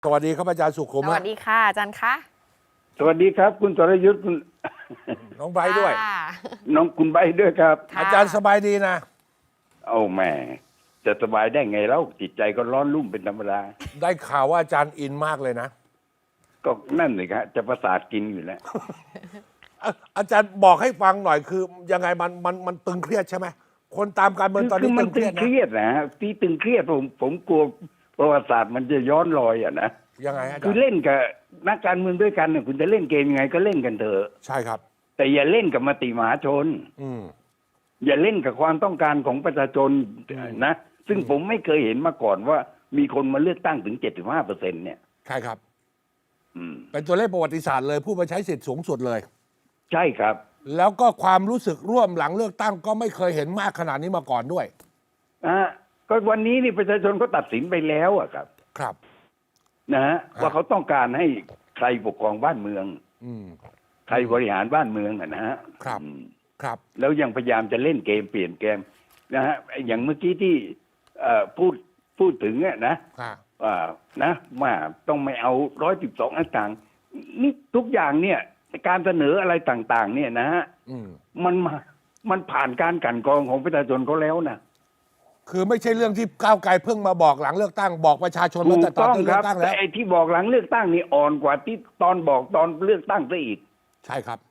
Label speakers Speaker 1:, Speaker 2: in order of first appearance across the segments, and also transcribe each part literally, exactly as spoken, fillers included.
Speaker 1: สวัสดีครับอาจารย์สุขุม
Speaker 2: สวัสดีค่ะอาจารย์คะ
Speaker 3: สวัสดีครับคุณสรยุทธ์คุณ
Speaker 1: น้องไบร์ทด้วย
Speaker 2: ค่ะ
Speaker 3: น้องคุณใบร์ทด้วยครับ
Speaker 2: ค่ะ
Speaker 1: อาจารย์สบายดีนะ
Speaker 3: เอาแหม่จะสบายได้ไงแล้วจิตใจก็ร้อนรุ่มเป็นธรรมดา
Speaker 1: ได้ข่าวว่าอาจารย์อินมากเลยนะ
Speaker 3: ก็นั่นเลยครับจะประสาทกินอยู่แล้ว
Speaker 1: อ่ะอาจารย์บอกให้ฟังหน่อยคือยังไงมันมันมันตึงเครียดใช่ไหมคนตามการเมืองตอน
Speaker 3: คื
Speaker 1: นี้
Speaker 3: มั
Speaker 1: ตึงเค
Speaker 3: ตึ
Speaker 1: รีย
Speaker 3: ง
Speaker 1: ด
Speaker 3: เค
Speaker 1: นะ
Speaker 3: รียดนะฮะที่ตึงเครียดผมผมกลัวประวัติศาสตร์มันจะย้อนรอยอ่ะนะ
Speaker 1: ยังไงอาจา
Speaker 3: คื
Speaker 1: ร
Speaker 3: อ
Speaker 1: ย์
Speaker 3: เล่นกับนักการเมืองด้วยกันเนี่ยคุณจะเล่นเกมยังไงก็เล่นกันเถอะ
Speaker 1: ใช่ครับ
Speaker 3: แต่อย่าเล่นกับมติมหาชน
Speaker 1: อืม
Speaker 3: อย่าเล่นกับความต้องการของประชาชนนะซึ่งผมไม่เคยเห็นมาก่อนว่ามีคนมาเลือกตั้งถึงเจ็ดสิบห้าเปอร์เซ็นต์เนี่ย
Speaker 1: ใช่ครับ
Speaker 3: อืม
Speaker 1: เป็นตัวเลขประวัติศาสตร์เลยผู้มาใช้สิทธิ์สูงสุดเลย
Speaker 3: ใช่ครับ
Speaker 1: แล้วก็ความรู้สึกร่วมหลังเลือกตั้งก็ไม่เคยเห็นมากขนาดนี้มาก่อนด้วย
Speaker 3: อ่าก็วันนี้นี่ประชาชนก็ตัดสินไปแล้วอะครับ
Speaker 1: ครับ
Speaker 3: นะฮะ
Speaker 1: อ่า
Speaker 3: ว่าเขาต้องการให้ใครปกครองบ้านเมือง
Speaker 1: อืม
Speaker 3: ใครบริหารบ้านเมืองอะนะฮะ
Speaker 1: ครับ
Speaker 3: อืม
Speaker 1: ครับ
Speaker 3: แล้วยังพยายามจะเล่นเกมเปลี่ยนเกมนะฮะอย่างเมื่อกี้ที่เอ่อพูดพูดถึงอะนะ
Speaker 1: ค่ะ
Speaker 3: ว่านะว่าต้องไม่เอาร้อยสิบสองต่างๆนี่ทุกอย่างเนี่ยการเสนออะไรต่าง ๆ เนี่ยนะฮะ
Speaker 1: อืม
Speaker 3: มันมามันผ่านการกลั่นกรองของประชาชนเขาแล้วนะ
Speaker 1: คือไม่ใช่เรื่องที่ก้าวไกลเพิ่งมาบอกหลังเลือกตั้งบอกประชาชน
Speaker 3: ถู
Speaker 1: ตั้ง
Speaker 3: ก
Speaker 1: แต่ตอน
Speaker 3: ต้อง
Speaker 1: ที่
Speaker 3: ค
Speaker 1: เลื
Speaker 3: รั
Speaker 1: อบ กตั้ง
Speaker 3: แต่
Speaker 1: แล้ว
Speaker 3: ไอ้ที่บอกหลังเลือกตั้งนี่อ่อนกว่าที่ตอนบอกตอนเลือกตั้งซะอีก
Speaker 1: ใช่ครับ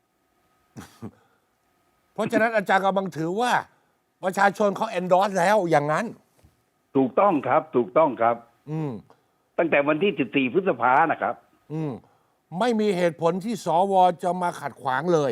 Speaker 1: เพราะฉะนั้นอาจารย์กำลังถือว่า ประชาชนเขา endorse แล้วอย่างนั้น
Speaker 3: ถูกต้องครับ ถูกต้องครับ
Speaker 1: อืม
Speaker 3: ตั้งแต่วันที่สิบสี่พฤษภานะครับ
Speaker 1: อืม ไม่มีเหตุผลที่สวจะมาขัดขวางเลย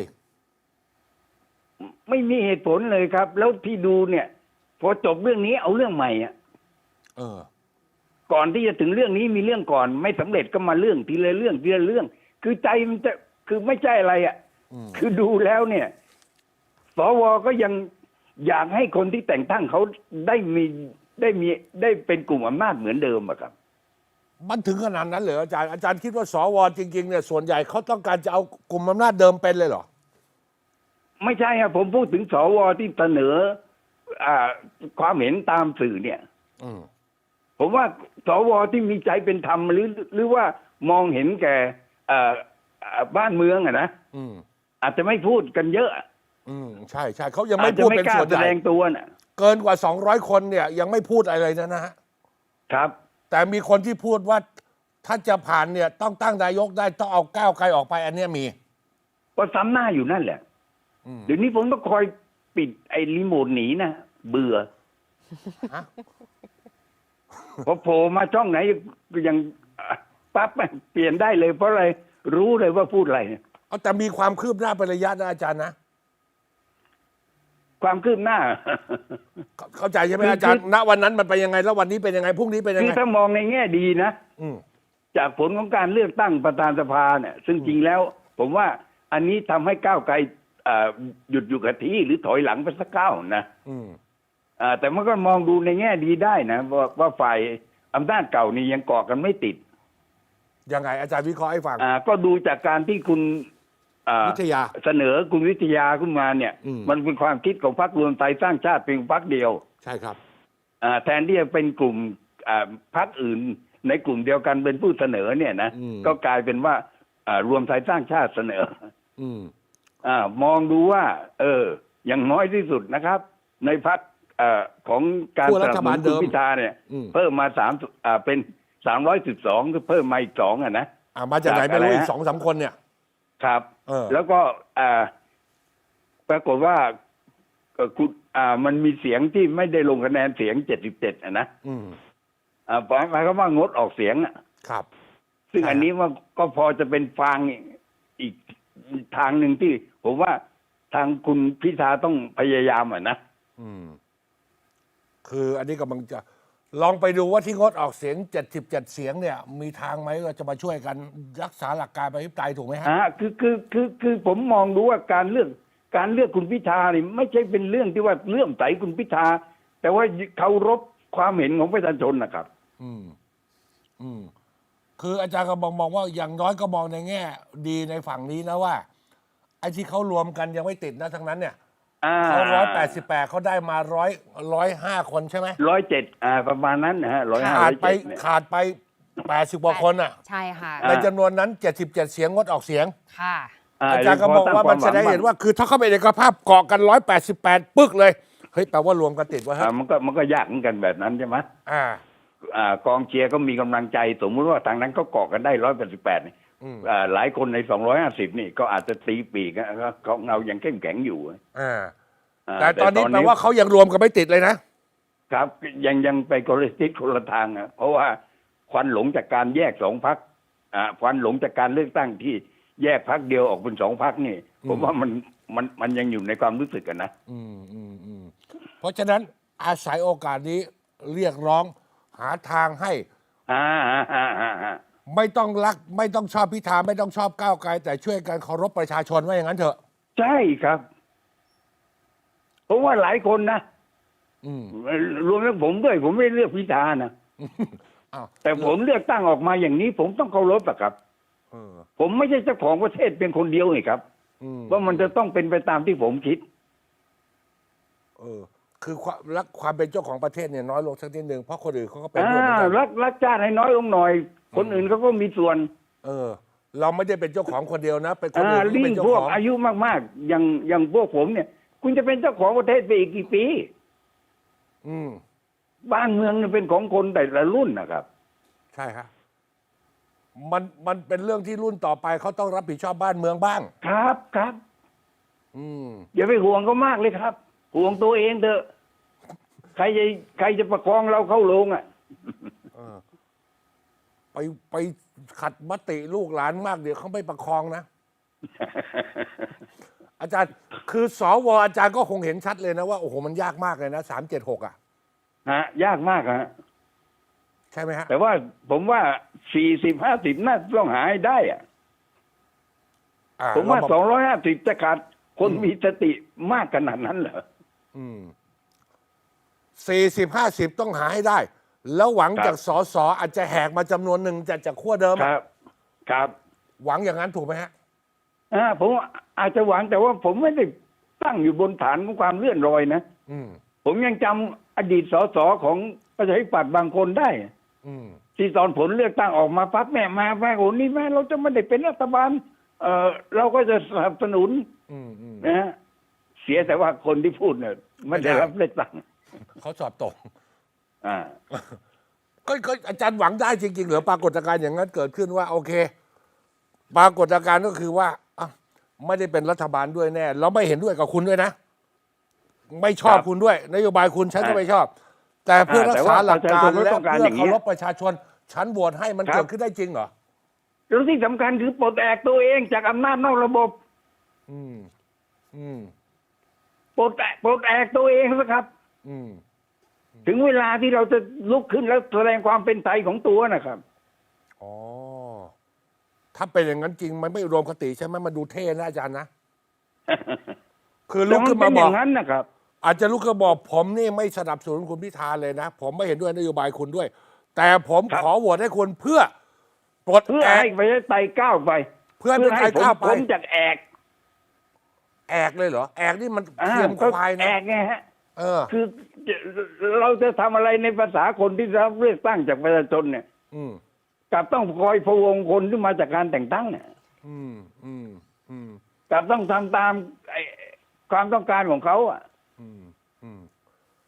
Speaker 3: ไม่มีเหตุผลเลยครับ แล้วที่ดูเนี่ย พอจบเรื่องนี้เอาเรื่องใหม่อ่ะ
Speaker 1: เออ
Speaker 3: ก่อนที่จะถึงเรื่องนี้มีเรื่องก่อน ไม่สำเร็จก็มาเรื่องทีละเรื่องทีละเรื่อง คือใจมันจะคือไม่ใช่อะไรอ่ะ
Speaker 1: อืม
Speaker 3: คือดูแล้วเนี่ย สวก็ยังอยากให้คนที่แต่งตั้งเขาได้มีได้มีได้เป็นกลุ่มอำนาจเหมือนเดิมอะครับ
Speaker 1: มันถึงขนาดนั้นเหรออาจารย์อาจารย์คิดว่าสวจริงๆเนี่ยส่วนใหญ่เขาต้องการจะเอากลุ่มอำนาจเดิมเป็นเลยเหรอ
Speaker 3: ไม่ใช่ครับผมพูดถึงสวที่เสนออ่าความเห็นตามสื่อเนี่ย
Speaker 1: อืม
Speaker 3: ผมว่าสวที่มีใจเป็นธรรมหรือหรือว่ามองเห็นแก่อ่าอ่าบ้านเมืองอะนะ
Speaker 1: อืม
Speaker 3: อาจจะไม่พูดกันเยอะ
Speaker 1: อืมใช่ใช่เขายัง
Speaker 3: อา
Speaker 1: ไม่
Speaker 3: จจะ
Speaker 1: พูด
Speaker 3: ไม่
Speaker 1: เป็น
Speaker 3: กล้า
Speaker 1: ส่วน
Speaker 3: แส
Speaker 1: ใหญ่
Speaker 3: ดงตัวน่ะ
Speaker 1: เกินกว่าสองร้อยคนเนี่ยยังไม่พูดอะไรเลยนะนะฮะ
Speaker 3: ครับ
Speaker 1: แต่มีคนที่พูดว่าถ้าจะผ่านเนี่ยต้องตั้งนายกได้ต้องเอาก้าวไกลออกไปอันเนี้ยมี
Speaker 3: ก็ซ้ำหน้าอยู่นั่นแหละ
Speaker 1: อืม
Speaker 3: เดี๋ยวนี้ผมต้องคอยปิดไอ้รีโมทหนีนะเบื่อ
Speaker 1: ฮะ
Speaker 3: พอโผล่มาช่องไหนก็ยังอ่ะปั๊บเปลี่ยนได้เลย เพราะอะไรรู้เลยว่าพูดอะไร
Speaker 1: เอาแต่มีความคืบหน้าเป็นระยะนะอาจารย์นะ
Speaker 3: ความคืบหน้า
Speaker 1: เข้าเข้าใจใช่ไหม
Speaker 3: คือ
Speaker 1: อาจารย์
Speaker 3: คือ
Speaker 1: ณวันนั้นมันเป็นยังไงแล้ววันนี้เป็นยังไงพรุ่งนี้เป็นยัง
Speaker 3: คือ
Speaker 1: ไง
Speaker 3: ถ้ามองในแง่ดีนะ
Speaker 1: อืม
Speaker 3: จากผลของการเลือกตั้งประธานสภาเนี่ย ซึ่งจริงแล้ว ผมว่าอันนี้ทำให้ก้าวไกลอ่าหยุดอยู่กับที่หรือถอยหลังไปสักก้าวนะ
Speaker 1: อืม
Speaker 3: อ่าแต่มันก็มองดูในแง่ดีได้นะว่าว่าฝ่ายอำนาจเก่านี่ยังเกาะกันไม่ติด
Speaker 1: ยังไงอาจารย์วิเคราะห์ให้ฟัง
Speaker 3: อ่าก็ดูจากการที่คุณอ่า
Speaker 1: วิทยา
Speaker 3: เสนอคุณวิทยาขึ้นมาเนี่ย
Speaker 1: อืม
Speaker 3: มันเป็นความคิดของพรรครวมไทยสร้างชาติเป็นพรรคเดียว
Speaker 1: ใช่ครับ
Speaker 3: อ่าแทนที่จะเป็นกลุ่มอ่าพรรคอื่น ในกลุ่มเดียวกันเป็นผู้เสนอเนี่ยนะ
Speaker 1: อืม
Speaker 3: ก็กลายเป็นว่าอ่ารวมไทยสร้างชาติเสนอ
Speaker 1: อืม
Speaker 3: อ่ามองดูว่า เออ อย่างน้อยที่สุดนะครับ ในพรรคอ่าของการ
Speaker 1: ขั้ว
Speaker 3: ส
Speaker 1: รั
Speaker 3: นับ
Speaker 1: ฐ
Speaker 3: ส
Speaker 1: บา
Speaker 3: นุ
Speaker 1: ล
Speaker 3: น
Speaker 1: เดิ
Speaker 3: คุณ
Speaker 1: ม
Speaker 3: พิธาเนี่ย
Speaker 1: อืม
Speaker 3: เพิ่มมาสามอ่าเป็นสามร้อยสิบสองก็เพิ่มมาอีกสองอ่ะนะ
Speaker 1: อ่ามาจากไหนไม่รู้
Speaker 3: จากอะไร
Speaker 1: อีก
Speaker 3: ฮะ
Speaker 1: สองสามคนเนี่ย
Speaker 3: ครับ
Speaker 1: เออ
Speaker 3: แล้วก็อ่าปรากฏว่าเอ่อคุณอ่า มันมีเสียงที่ไม่ได้ลงคะแนนเสียงเจ็ดสิบเจ็ดอ่ะนะ
Speaker 1: อืม
Speaker 3: อ่าหมายความว่างดออกเสียงอ่ะ
Speaker 1: ครับ
Speaker 3: ซึ่ง
Speaker 1: ใช่
Speaker 3: อันนี้ว่าก็พอจะเป็นฟางอีกทางหนึ่งที่ ผมว่าทางคุณพิธาต้องพยายามอ่ะนะ
Speaker 1: อืม คืออันนี้กำลังจะลองไปดูว่าที่งดออกเสียงเจ็ดสิบเจ็ดเสียงเนี่ย มีทางไหมว่าจะมาช่วยกันรักษาหลักการประชาธิปไตยถูกไหมฮะ
Speaker 3: อ่าคือคือคือคือผมมองดูว่าการเลือกการเลือกคุณพิธานี่ไม่ใช่เป็นเรื่องที่ว่าเลื่อมใสคุณพิธาแต่ว่าเคารพความเห็นของประชาชนนะครับ
Speaker 1: อืม อืม คืออาจารย์ก็มองมองว่าอย่างน้อยก็มองในแง่ ดีในฝั่งนี้นะว่า ไอ้ที่เขารวมกันยังไม่ติดนะทั้งนั้นเนี่ย
Speaker 3: อ่า
Speaker 1: เขาร้อยแปดสิบแปดเขาได้มาร้อยร้อยห้าคนใช่ไหม
Speaker 3: ร้อยเจ็ดอ่าประมาณนั้นนะฮะร้อยห้า
Speaker 1: ขา
Speaker 3: ร้
Speaker 1: ด
Speaker 3: อย
Speaker 1: ไป
Speaker 3: เจ็ดเนี่ย
Speaker 1: ขาดไปแปดสิบกว่าคนอ่ะ
Speaker 2: ใช่ค่ะ
Speaker 1: ในจำนวนนั้นเจ็ดสิบเจ็ดเสียงงดออกเสียง
Speaker 2: ค่ะ
Speaker 1: อาจารย์ก็บอกว่ามันแสดงให้เห็นว่าคือถ้าเข้าไปในกระภาพเกาะกันร้อยแปดสิบแปดปึ๊กเลยเฮ้ยแปลว่ารวมกันติดวะฮะ
Speaker 3: อ่ามันก็มันก็ยากเหมือนกันแบบนั้นใช่ไหม
Speaker 1: อ่า
Speaker 3: อ่ากองเชียร์ก็มีกำลังใจสมมุติว่าทางนั้นก็เกาะกันได้ร้อยแปดสิบแปดนี่
Speaker 1: อืม
Speaker 3: อ่าหลายคนในสองร้อยห้าสิบนี่ก็อาจจะตีปีกนะก็เขาเงายังเข้มแข็งอยู่
Speaker 1: อ่า
Speaker 3: อ่า
Speaker 1: แต่ตอนนี้แปลว่าเขายังรวมกันไม่ติดเลยนะ
Speaker 3: ครับยังยังไปคนละทิศคนละทางอ่ะเพราะว่าควันหลงจากการแยกสองพักอ่าควันหลงจากการเลือกตั้งที่แยกพักเดียวออกเป็นสองพักนี่
Speaker 1: อืม
Speaker 3: ผมว่ามันมันมันยังอยู่ในความรู้สึกกันนะ
Speaker 1: อืมอืมอืมเพราะฉะนั้นอาศัยโอกาสนี้เรียกร้องหาทางให้
Speaker 3: อ่าอ่าอ่าอ่าอ่า
Speaker 1: ไม่ต้องรัก ไม่ต้องชอบพิธาไม่ต้องชอบก้าวไกล แต่ช่วยกันเคารพประชาชนว่าอย่างนั้นเถอะ
Speaker 3: ใช่ครับผมว่าหลายคนนะ
Speaker 1: อืม
Speaker 3: รวมทั้งผมด้วยผมไม่เลือกพิธานะ
Speaker 1: อ้าว
Speaker 3: แต่ผมเลือกตั้งออกมาอย่างนี้ ผมต้องเคารพอะครับ
Speaker 1: เออ
Speaker 3: ผมไม่ใช่เจ้าของประเทศเป็นคนเดียวไงครับ
Speaker 1: อืม
Speaker 3: ว่ามันจะต้องเป็นไปตามที่ผมคิด
Speaker 1: เออ คือความรักความเป็นเจ้าของประเทศเนี่ยน้อยลงสักนิดนึงเพราะคนอื่นเขาก็เป็น
Speaker 3: อ่า
Speaker 1: ด้วยเหมือนกัน
Speaker 3: รักรักชาติให้น้อยลงหน่อย คนอื่นเขาก็มีส่วน
Speaker 1: เออ เราไม่ได้เป็นเจ้าของคนเดียวนะ เป็นคน
Speaker 3: อ่า
Speaker 1: อื่นที่
Speaker 3: ลิ่
Speaker 1: เป็
Speaker 3: ง
Speaker 1: นเจ้า
Speaker 3: พว
Speaker 1: ข
Speaker 3: ก
Speaker 1: อง
Speaker 3: อายุมากๆ อย่างอย่างพวกผมเนี่ย คุณจะเป็นเจ้าของประเทศไปอีกกี่ปี
Speaker 1: อืม
Speaker 3: บ้านเมืองเนี่ยเป็นของคนแต่ละรุ่นนะครับ
Speaker 1: ใช่ครับมันมันเป็นเรื่องที่รุ่นต่อไปเขาต้องรับผิดชอบบ้านเมืองบ้าง
Speaker 3: ครับครับ
Speaker 1: อืม
Speaker 3: อย่าไปห่วงเขามากเลยครับ ห่วงตัวเองเถอะใครจะใครจะประคองเราเข้าโรงอ่ะ
Speaker 1: เออ ไปไปขัดมติลูกหลานมากเดี๋ยวเขาไม่ประคองนะ อาจารย์ คือสวอาจารย์ก็คงเห็นชัดเลยนะว่าโอ้โหมันยากมากเลยนะสามเจ็ดหกอ่ะ
Speaker 3: ฮะยากมากฮะ
Speaker 1: ใช่ไหมฮะ
Speaker 3: แต่ว่าผมว่าสี่สิบห้าสิบน่าต้องหาให้ได้อะ
Speaker 1: อ่
Speaker 3: ผมว่า
Speaker 1: เร
Speaker 3: สองร้อยห้าสิบจะขาดคนมีสติมากขนาดนั้นเหรอ
Speaker 1: อืมสี่สิบห้าสิบต้องหาให้ได้ แล้วหวัง
Speaker 3: ครับ
Speaker 1: จากสอสออาจจะแหกมาจำนวนหนึ่งจากจากขั้วเดิม
Speaker 3: ค
Speaker 1: อะ
Speaker 3: รับ ครับ
Speaker 1: หวังอย่างนั้นถูกไหมฮะ
Speaker 3: อ่าผมอาจจะหวังแต่ว่าผมไม่ได้ตั้งอยู่บนฐานของความเลื่อนลอยนะ
Speaker 1: อืม
Speaker 3: ผมยังจำอดีตสสของประชาธิปัตย์บางคนได้
Speaker 1: อืม
Speaker 3: ที่ตอนผลเลือกตั้งออกมาปั๊บแม่มาแม่โอ้นี่แม่เราจะไม่ได้เป็นรัฐบาล เออเราก็จะสนับสนุน
Speaker 1: อืมอืม
Speaker 3: นะฮะเสียแต่ว่าคนที่พูดเนี่ยไม่ได้รับเลือกตั้ง
Speaker 1: เขาสอบตก
Speaker 3: อ่า
Speaker 1: ก็ก็อาจารย์หวังได้จริงๆเหรือปรากฏการณ์อย่างนั้นเกิดขึ้นว่าโอเค ปรากฏการณ์ก็คือว่าอ่ะไม่ได้เป็นรัฐบาลด้วยแน่แล้วไม่เห็นด้วยกับคุณด้วยนะ ไม่ชอบ
Speaker 3: ครับ
Speaker 1: คุณด้วย นโยบายคุณฉันก็ไม่ชอบ แต่เพื่อรักษาหลักการ
Speaker 3: แต่ว่าประชาชนก็
Speaker 1: และ
Speaker 3: ต้องการ
Speaker 1: เพื่
Speaker 3: อ
Speaker 1: อย่าง
Speaker 3: เงี้
Speaker 1: เคาย รพประชาชน ฉันโหวตให้มัน
Speaker 3: ครับ
Speaker 1: เกิดขึ้นได้จริงเหรอ
Speaker 3: แล้วที่สำคัญคือปลดแอกตัวเองจากอำนาจนอกระบบ
Speaker 1: อืม อืม
Speaker 3: ปลดแอกปลดแอกตัวเองนะครับ
Speaker 1: อืม
Speaker 3: ถึงเวลาที่เราจะลุกขึ้นแล้วแสดงความเป็นไทยของตัวนะครับ
Speaker 1: อ๋อ ถ้าเป็นอย่างนั้นจริงมันไม่รวมคติใช่ไหมมันดูเท่นะอาจารย์นะ คือลุกขึ้นมา
Speaker 3: แต่นเป็
Speaker 1: บ
Speaker 3: อ
Speaker 1: อก
Speaker 3: ย่างนั้นนะครับ
Speaker 1: อาจจะลุกขึ้นมาบอกผมนี่ไม่สนับสนุนคุณพิธาเลยนะ ผมไม่เห็นด้วยนโยบายคุณด้วย แต่ผม
Speaker 3: ครับ
Speaker 1: ขอโหวตให้คุณเพื่อปลด
Speaker 3: เพื่อ
Speaker 1: แอก
Speaker 3: ให้ประชาธิปไตยก้าวไป
Speaker 1: เพื่อให้
Speaker 3: ให้
Speaker 1: ประชาธิปไตยก้าวไป
Speaker 3: พ้นจากแอก
Speaker 1: แอกเลยเหรอ แอกนี่มัน
Speaker 3: อ่า
Speaker 1: เทียม
Speaker 3: ก็
Speaker 1: ควาย
Speaker 3: แอ
Speaker 1: นะ
Speaker 3: กไงฮะ
Speaker 1: เออ
Speaker 3: คือเราจะทำอะไรในภาษาคนที่รับเลือกตั้งจากประชาชนเนี่ย
Speaker 1: อืม
Speaker 3: กลับต้องคอยพะวงคนที่มาจากการแต่งตั้งเนี่ย
Speaker 1: อืมอืมอืม
Speaker 3: กลับต้องทำตามไอ้ความต้องการของเขาอ่ะ
Speaker 1: อืม